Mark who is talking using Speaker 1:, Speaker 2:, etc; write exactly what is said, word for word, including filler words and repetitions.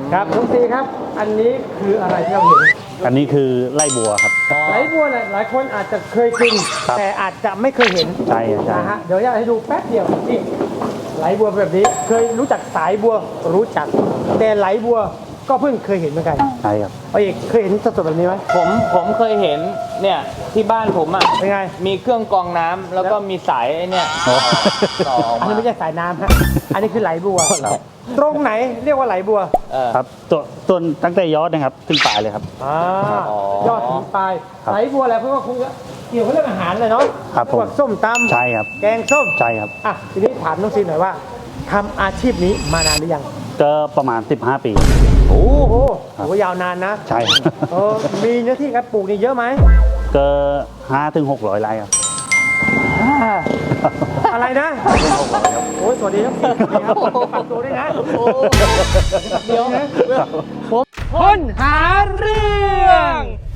Speaker 1: ครับน้องซีครับอันนี้คืออะไรที่เราเห็น
Speaker 2: อันนี้คือไล่บัวครับ
Speaker 1: ไหลบัวเนี่ยหลายคนอาจจะเคยกิน
Speaker 2: ครับ
Speaker 1: แต่อาจจะไม่เคยเห็น
Speaker 2: ใช่ใช่
Speaker 1: นะฮะเดี๋ยวอยากให้ดูแป๊บเดียวนี่ไหลบัวแบบนี้เคยรู้จักสายบัวรู้จัก แต่ไหลบัวก็เพิ่งเคยเห็นเหมือนกัน
Speaker 2: ใช่ครับ
Speaker 1: เอาอีกเคยเห็นสดๆแบบนี้ไหม
Speaker 3: ผมผมเคยเห็นเนี่ยที่บ้านผมอ่ะ
Speaker 1: เป็นไง
Speaker 3: มีเครื่องกรองน้ำแล้วก็มีสายไอ้เนี่ย
Speaker 2: อ๋อ
Speaker 3: ต่อออก
Speaker 1: อัน
Speaker 3: มา
Speaker 1: นี้ไม่ใช่สายน้ำฮะอันนี้คือไหลบัว
Speaker 2: ครับ
Speaker 1: ตรงไหนเรียกว่าไหลบัว
Speaker 3: เออ
Speaker 2: ครับตัวต้นตั้งแต่ยอดนะครับขึ้นปลายเลยครับ
Speaker 1: อ่า
Speaker 3: อ๋อ
Speaker 1: ยอดถึงปลาย
Speaker 2: ครับ
Speaker 1: ไหลบัวอะไรเพราะว่าคงจะเกี่ยวกับเรื่องอาหารเลยเนาะ
Speaker 2: ครับผม
Speaker 1: พวกส้มตำ
Speaker 2: ใช่ครับ
Speaker 1: แกงส้ม
Speaker 2: ใช่ครับ
Speaker 1: อ่ะทีนี้ถามน้องซีหน่อยว่าทำอาชีพนี้มานานหรือยัง
Speaker 2: ก็ประมาณ สิบห้า ปี
Speaker 1: โอ้โห
Speaker 2: ครับ
Speaker 1: โหยาวนานนะ
Speaker 2: ใช่
Speaker 1: เออมีเนื้อที่การปลูกนี่เยอะไหม
Speaker 2: ก็ห้าถึงหกร้อยไร่ครับ
Speaker 1: อะไรนะโอ้ยสวัสดีครับสวัสดีครับฝากตัวด้วยนะเดี๋ยวนะ
Speaker 3: ผม
Speaker 1: คนหาเรื่อง